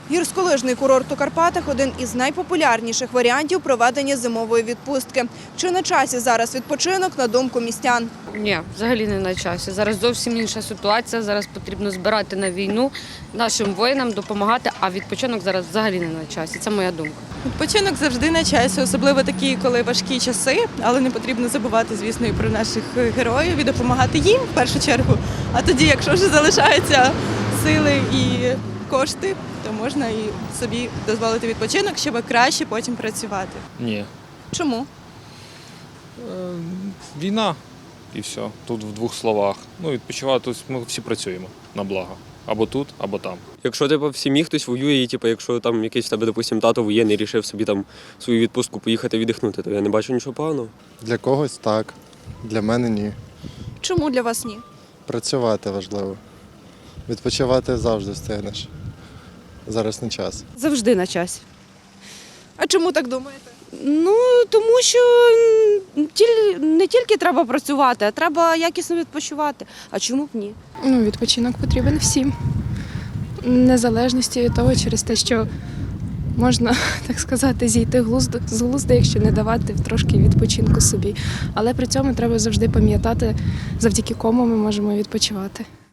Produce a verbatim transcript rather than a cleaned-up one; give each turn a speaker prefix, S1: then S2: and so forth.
S1: Гірськолижний курорт у Карпатах – один із найпопулярніших варіантів проведення зимової відпустки. Чи на часі зараз відпочинок, на думку містян?
S2: Ні, взагалі не на часі. Зараз зовсім інша ситуація. Зараз потрібно збирати на війну, нашим воїнам допомагати, а відпочинок зараз взагалі не на часі. Це моя думка.
S3: Відпочинок завжди на часі, особливо такі, коли важкі часи, але не потрібно забувати, звісно, і про наших героїв і допомагати їм в першу чергу. А тоді, якщо вже залишаються сили і кошти, то можна і собі дозволити відпочинок, щоб краще потім працювати.
S4: Ні.
S1: Чому?
S4: Е, Війна і все. Тут в двох словах. Ну, відпочивати, тут ми всі працюємо на благо. Або тут, або там.
S5: Якщо типу, в сім'ї хтось воює, і типу, якщо там якийсь в тебе, допустим, тато воєнний рішив собі там свою відпустку поїхати віддихнути, то я не бачу нічого поганого.
S6: Для когось так, для мене ні.
S1: Чому для вас ні?
S6: Працювати важливо. Відпочивати завжди встигнеш. Зараз не час.
S7: Завжди на часі.
S1: А чому так думаєте?
S7: Ну, тому що м, тіль- не тільки треба працювати, а треба якісно відпочивати. А чому б ні?
S8: Ну, відпочинок потрібен всім. Незалежності від того, через те, що можна, так сказати, зійти глузду, з глузду, якщо не давати трошки відпочинку собі. Але при цьому треба завжди пам'ятати, завдяки кому ми можемо відпочивати.